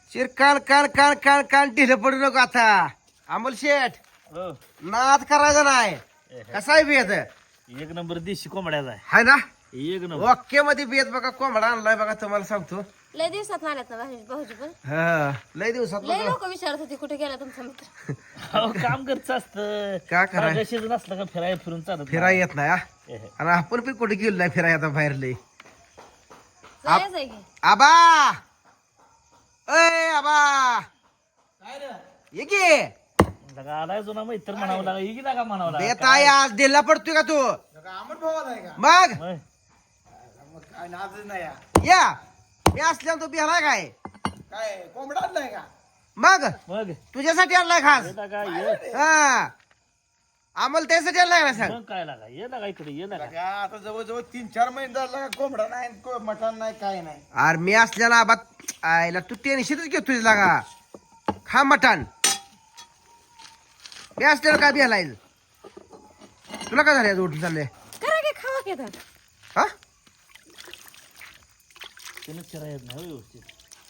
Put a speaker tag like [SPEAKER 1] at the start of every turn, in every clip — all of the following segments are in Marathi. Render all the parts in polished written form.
[SPEAKER 1] चिर कान कान कान कान कान ढिलं पडू नको आता. अमोल शेठ
[SPEAKER 2] हो
[SPEAKER 1] नाद करायचा नाही. कसा आहे बेत
[SPEAKER 2] एक नंबर देशी कोंबड्याचा आहे.
[SPEAKER 1] हाय ना.
[SPEAKER 2] एक नंबर
[SPEAKER 1] ओके मध्ये बेत बघा कोंबडा आणलाय बघा तुम्हाला सांगतो.
[SPEAKER 3] लय दिवसात आल्यात ना भाऊजी पण
[SPEAKER 1] हा लय दिवसात
[SPEAKER 3] लय लोक विचारत होते कुठे गेला तुमचा मित्र.
[SPEAKER 2] अहो, काम करत असतं
[SPEAKER 1] काय करायचं?
[SPEAKER 2] सीजन असलं का फिरायला फिरून चालत
[SPEAKER 1] फिराय येत नाही हा.
[SPEAKER 2] नाही.
[SPEAKER 1] आणि आपण पण कुठे गेलो नाही फिराय आता बाहेर लय.
[SPEAKER 3] जायचं आहे की
[SPEAKER 1] आबा अय आबा ये की
[SPEAKER 2] लगा आलाय जुना मैत्र म्हणावं लागा ही लागा म्हणावं लागा.
[SPEAKER 1] बेत आहे आज दिला पडतोय का तू मग
[SPEAKER 2] मग
[SPEAKER 1] या मी असल्यावर तू बिहार काय
[SPEAKER 4] काय कोंबडा आणलाय का?
[SPEAKER 1] मग
[SPEAKER 2] मग
[SPEAKER 1] तुझ्यासाठी आणलाय खास
[SPEAKER 2] ये लागा ये
[SPEAKER 1] हा आम्हाला त्यासाठी आणलाय ना सांग.
[SPEAKER 2] मग काय लागा ये लागा इकडे ये लागा
[SPEAKER 4] का आता जवळजवळ 3-4 महिने झाला कोंबडा नाही मटण नाही काय नाही.
[SPEAKER 1] अरे मी असल्याला आबा आयला तू टेन्शनच घेतोय लागा. खा मटण मी असल्याला काय बिहार तुला काय झालं उठून चालले
[SPEAKER 3] करा की खावा की आता.
[SPEAKER 1] हा
[SPEAKER 2] त्यानं फिरायला येत नाही हो व्यवस्थित.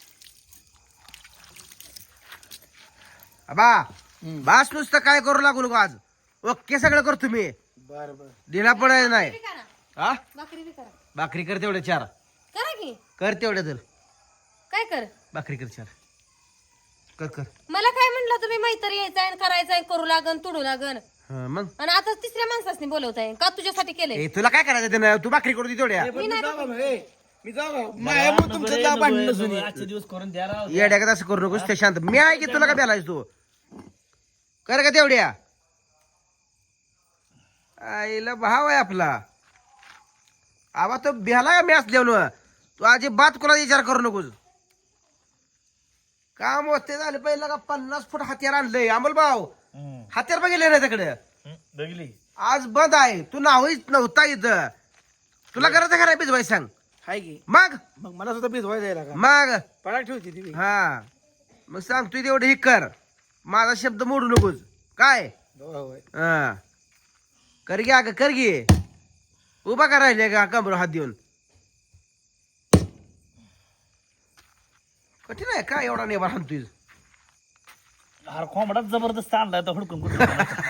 [SPEAKER 1] आबा बास नुसतं काय करू लागू नको आज. ओके सगळं करतो मी.
[SPEAKER 4] बर बर
[SPEAKER 1] दिला पडायचं नाही.
[SPEAKER 3] बी करा
[SPEAKER 1] हा
[SPEAKER 3] भाकरी बी करा.
[SPEAKER 1] भाकरी कर तेवढे 4
[SPEAKER 3] करा की
[SPEAKER 1] कर तेवढे तर
[SPEAKER 3] काय कर
[SPEAKER 1] भाकरी कर 4 कर कर
[SPEAKER 3] मला काय म्हणलं तुम्ही मैत्री यायचंय करायचंय करू लागन तुडू लागन
[SPEAKER 1] हा, मग
[SPEAKER 3] आणि आता तिसऱ्या माणसाने बोलवताय का तुझ्यासाठी केलंय.
[SPEAKER 1] ए तुला काय करायचं त्यानं तू भाकरी करू दे तेवढ्या.
[SPEAKER 4] मी जाऊ माझ्यामुळे तुमचं नाव भांडण नसून ये.
[SPEAKER 2] आजचे दिवस करून द्या राव.
[SPEAKER 1] येड्या का असं करू नकोस ते शांत. मी आहे की तुला काय बेलायच तू कर का तेवढ्या. आईला भाव आहे आपला. आबा तो बेला का मी असल्यावर तू अजिबात कोणा विचार करू नकोस. काम होते झाले पहिला का 50 फूट हत्यार आणलंय अमोल भाऊ.
[SPEAKER 2] हम्म.
[SPEAKER 1] हत्यार बघितले ना तिकडे
[SPEAKER 2] बघली
[SPEAKER 1] आज बंद आहे. तू नावच नव्हता इथं. तुला करायचं खरं बिजवाय सांग.
[SPEAKER 4] हाय की
[SPEAKER 1] मग
[SPEAKER 4] मग मला सुद्धा भिजवायला जायला का
[SPEAKER 1] मग
[SPEAKER 4] पडाक ठेवती ती
[SPEAKER 1] हा मग सांगतोय तेवढं हे कर. माझा शब्द मोडू नकोस काय.
[SPEAKER 4] होय
[SPEAKER 1] हा कर घ्या ग कर घे. उभा का राहिले का कमर हात देऊन. कठीण आहे का एवढा नेबार हाणतोय.
[SPEAKER 2] अरे कोंबडाच जबरदस्त आणलाय तो हुडकून कुठून.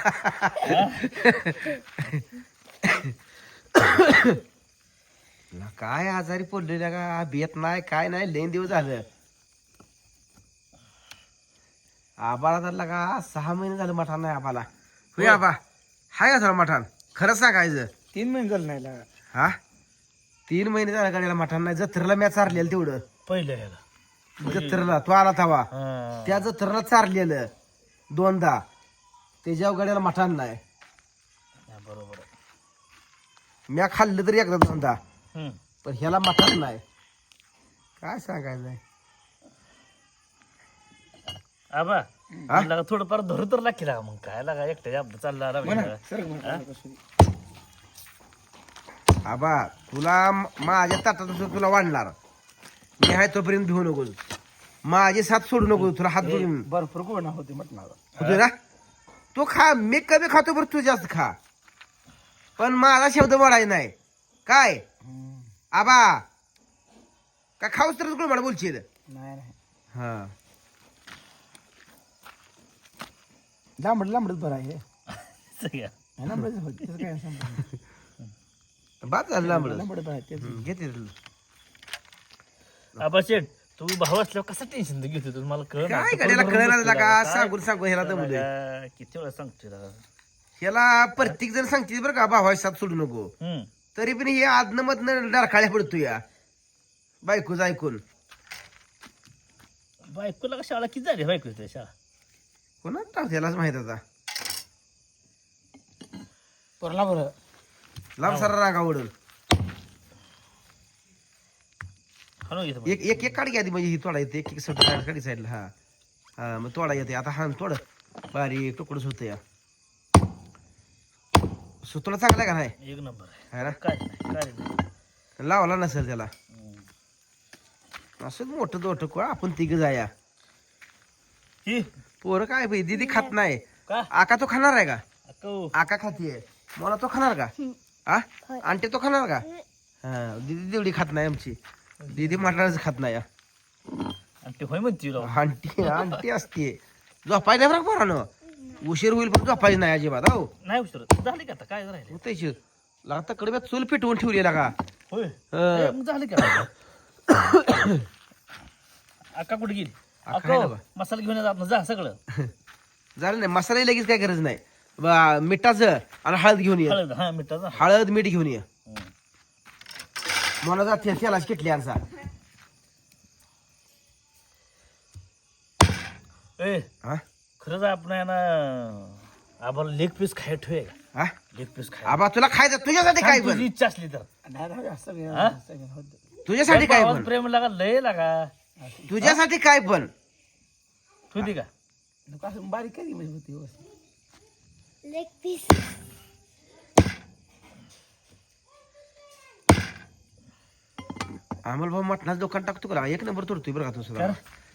[SPEAKER 1] काय आजारी पडलेल्या का बेत नाही काय नाही लेन दिवस झालं. आबाला तर लगा 6 महिने झालं मठान नाही आबाला. होय आबा हाय का मठान खरं सांगायचं.
[SPEAKER 4] 3 महिने झाले नाही लागा.
[SPEAKER 1] हा 3 महिने झालं गाड्याला मठान नाही. जत्रेला मॅच चारलेलं तेवढं.
[SPEAKER 2] पहिलं ह्याला
[SPEAKER 1] जत्रेला तो आला तवा
[SPEAKER 2] हा.
[SPEAKER 1] त्या जत्रेला चारलेलं 2दा. त्याच्या गाड्याला मठान नाही.
[SPEAKER 2] हा, बरोबर आहे.
[SPEAKER 1] म्या खाल्लं तरी एकदा 2दा
[SPEAKER 2] हम्म.
[SPEAKER 1] पण ह्याला मठान नाही. काय सांगायचं.
[SPEAKER 2] आबा लागा थोडंफार धरू तर लागते लागा. मग काय लागा एकट्या अपघात चालला
[SPEAKER 4] म्हणा सर म्हणा.
[SPEAKER 1] आबा तुला माझ्या ताटात तुला वाढणार. मी आहे तोपर्यंत भिवू नकोस. माझे साथ सोडू नको. तुला हात धरून
[SPEAKER 4] भरपूर कोंबडा होती मटणाला.
[SPEAKER 1] होतो ना. तो खा मी कमी खातो बरं तू जास्त खा. पण माझा शब्द मोडायचा नाही काय. आबा का खाऊस तर तुला मला बोलशील.
[SPEAKER 4] नाही नाही
[SPEAKER 1] हा
[SPEAKER 4] लांबडच बरं आहे
[SPEAKER 2] सगळ्या.
[SPEAKER 4] लांबडच होती त्याचं काय संबंध.
[SPEAKER 1] बाद झालं लांबड.
[SPEAKER 4] लांबडच आहे तेच.
[SPEAKER 1] घेते
[SPEAKER 2] आबा शेठ तू भाऊ असल्यावर कसं टेन्शन घेतो तू मला कळ
[SPEAKER 1] काय गाड्याला कळणार का सांगून सांगून ह्याला दमलोय.
[SPEAKER 2] किती वेळा सांगतोय लागा.
[SPEAKER 1] ह्याला प्रत्येक जण सांगते बरं का भावा साथ सोडू नको.
[SPEAKER 2] हम्म.
[SPEAKER 1] तरी पण हे आदन मधनं डरकाळ्या पडतो या बायकोच ऐकून.
[SPEAKER 2] बायकोला का शाळा किती झाली बायको तुझ्या शाळा.
[SPEAKER 1] कोणा टाक त्यालाच माहित आता.
[SPEAKER 4] परला बरं
[SPEAKER 1] लांब सारा रांगा ओढून
[SPEAKER 2] हा ना इथं.
[SPEAKER 1] एक एक एक काढी आधी म्हणजे ही तोडा येते. एक एक सट काढी साईडला. हा हा मग तोडा येते. आता हा तोड बारीक तुकडच होतं या. सुतोडा चांगला आहे का नाही.
[SPEAKER 2] एक नंबर आहे.
[SPEAKER 1] है ना
[SPEAKER 2] काय नाही काय नाही.
[SPEAKER 1] लावला नसेल त्याला.
[SPEAKER 2] हम्म.
[SPEAKER 1] असं मोठं दोठं कोण आपण तिघ जाया.
[SPEAKER 2] ही
[SPEAKER 1] पोरं काय बाई दीदी खात नाही.
[SPEAKER 2] का
[SPEAKER 1] आका तो खाणार आहे का.
[SPEAKER 2] अक्का
[SPEAKER 1] आका खातीये. मला तो खाणार का. हा आंटी तो खाणार का. हा दीदी तेवढी खात नाही आमची. दीदी मटणाच खात नाही.
[SPEAKER 2] आणि ते होय म्हणते राव.
[SPEAKER 1] आंटी आंटी असते झोपाय नाही बरं पोरानं उशीर होईल पण झोपायची नाही अजिबात हो
[SPEAKER 2] नाही उशीर झाली का आता काय राहिले
[SPEAKER 1] होतायची लागता कडब्यात चूल पेटवून ठेवली लागा
[SPEAKER 2] होय
[SPEAKER 1] हं.
[SPEAKER 2] ए, मग झाली का अक्का कुठे गेली
[SPEAKER 1] अक्का आहे ना
[SPEAKER 2] अक्का
[SPEAKER 1] बा.
[SPEAKER 2] मसाला घेऊन जात ना जा सगळं
[SPEAKER 1] झालं नाही मसाला लगेच काय गरज नाही मिठाचं आणि हळद घेऊन ये
[SPEAKER 2] हळद हा मिठाचा
[SPEAKER 1] हळद मीठ घेऊन ये
[SPEAKER 2] हं.
[SPEAKER 1] मला जाते त्यालाच किटली आणसा
[SPEAKER 2] ए
[SPEAKER 1] हा
[SPEAKER 2] खरंच आपण आहे ना आम्हाला लेग पीस खाय ठेवे
[SPEAKER 1] हा
[SPEAKER 2] लेग पीस खाय
[SPEAKER 1] आबा तुला खायचं तुझ्यासाठी काय
[SPEAKER 2] तुझी
[SPEAKER 1] पण
[SPEAKER 2] इच्छा असली तर
[SPEAKER 4] नाही असं घे,
[SPEAKER 2] हा?
[SPEAKER 4] असं घे, हो दे.
[SPEAKER 1] तुझ्यासाठी काय
[SPEAKER 2] आवाज
[SPEAKER 1] पण
[SPEAKER 2] प्रेम लागा लय लागा
[SPEAKER 1] तुझ्यासाठी काय पण
[SPEAKER 2] ठेवती का
[SPEAKER 4] नको असं बारीक करी म्हणजे होती हो असं.
[SPEAKER 3] लेग पीस
[SPEAKER 1] अमोल भाऊ मटणाचं दुकान टाकतो का एक नंबर तोडतोय बरं का तू सुद्धा
[SPEAKER 2] कर.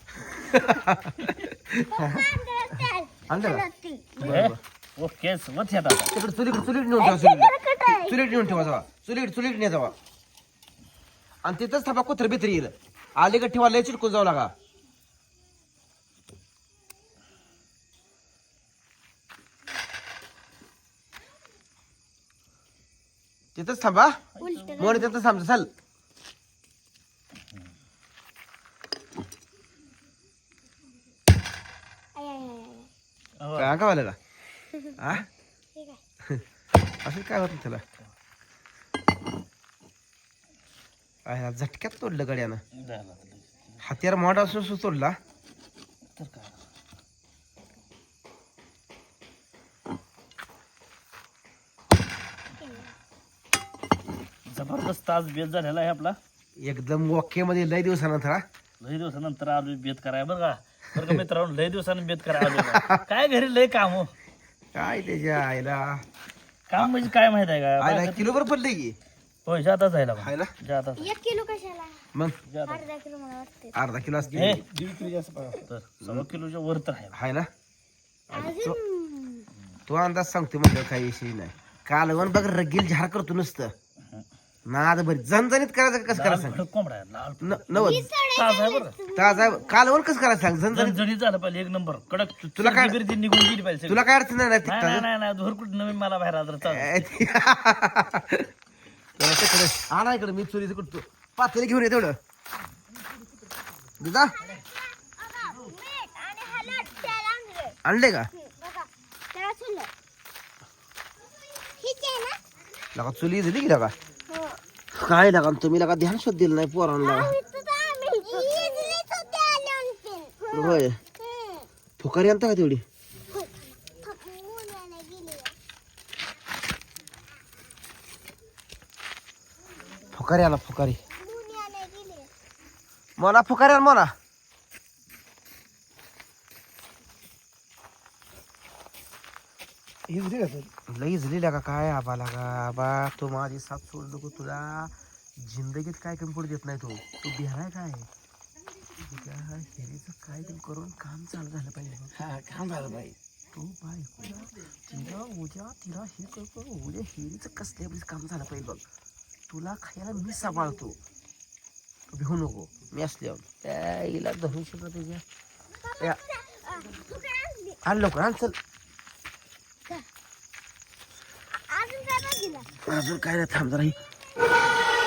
[SPEAKER 1] आणलं का
[SPEAKER 2] ए, ओके मत हे आता
[SPEAKER 1] तिकडे चुलीकडे नेऊन ठेवा चुलीत नेऊन ठेवा जावा चुलीत ने जावा आणि तिथंच थांबा कुत्र भित्री येईल अलीकडे ठेवा लय चिटकून जाऊ लागा तिथंच थांबा मोर तिथंच थांबतो चल
[SPEAKER 2] हो.
[SPEAKER 1] काय का वाला हा असं काय होत त्याला आयला झटक्यात तोडलं गड्यानं
[SPEAKER 2] झालं आता.
[SPEAKER 1] हत्यार मोठा असून तोडला
[SPEAKER 2] तर काय जबरदस्त आज बेत झालेला आहे आपला
[SPEAKER 1] एकदम ओके मध्ये लय दिवसानंतर हा
[SPEAKER 2] लय दिवसानंतर आलो बेत कराय बरं का मित्रांनो लय दिवसानं बेत करायला आलो बा. काय घरी लय काम हो
[SPEAKER 1] काय त्याच्या आईला
[SPEAKER 2] काम म्हणजे काय माहित आहे का
[SPEAKER 1] आईला किलोभर पडले की
[SPEAKER 2] होय जाता जायला
[SPEAKER 1] आहे ना
[SPEAKER 2] जाता
[SPEAKER 3] 1 किलो कशाला
[SPEAKER 1] मग
[SPEAKER 2] जाता
[SPEAKER 3] अर्धा किलो मला वाटते
[SPEAKER 1] अर्धा किलो असते
[SPEAKER 2] हे
[SPEAKER 4] 1.5 किलो जास्त पाहिजे.
[SPEAKER 2] तर 1.25 किलोच्या वर तर आहे
[SPEAKER 1] आहे ना
[SPEAKER 3] अजून
[SPEAKER 1] तो अंदाज सांगतो म्हणजे काही विषय नाही कालवण बघ रगील झार करतो नुसतं नाद बरी जनजणीत करायचं कसं करायचं सांग
[SPEAKER 2] लाल कोंबडा आहे, लाल
[SPEAKER 1] नवद
[SPEAKER 2] ताज आहे बरं
[SPEAKER 1] ताजा कालवण कसं करायचं सांग जनजणीत
[SPEAKER 2] जणजणीत झालं पाहिजे एक नंबर कडक
[SPEAKER 1] तुला काय-
[SPEAKER 2] गिरती निघून गेली पाहिजे सगळी.
[SPEAKER 1] तुला काय अडचण नाही ना
[SPEAKER 2] नाही
[SPEAKER 1] तिखटाचं?
[SPEAKER 2] नाही नाही नाही धोर कुठं नवीन मला बाहेर आलं तर
[SPEAKER 1] जरा तिकडे आणा इकडे मी चुरीचं कुठतो पातेली घेऊन ये तेवढं दिदा आणले का लगा चुली दिली की लगा काय लगा तुम्ही लगा ध्यान शोध दिलं नाही पोरांना होय फुकारी आणता का तेवढी फुकारी आला फुकारी मोना फुकारी आण मोना
[SPEAKER 4] हे दिली का सर?
[SPEAKER 1] लई झली का काय आबा लागा आबा तो माझी साथ सोड नको तुला जिंदगीत काय कमी पडू देत नाही तो तू बिहाराय काय तुझ्या हेरीचं काय तरी करून काम चालू झालं पाहिजे बघ.
[SPEAKER 4] हा काम झालं बाई
[SPEAKER 1] तू बायकोला तिला उद्या तिला हे करतो उद्या हेरीचं कसल्या काम झालं पाहिजे बघ तुला खायला मी सांभाळतो तू भिवू नको मी असल्यावर त्या हिला धरून सुद्धा तुझ्या या. आण लवकर आण चल अजून काय नाही थांब जरा ही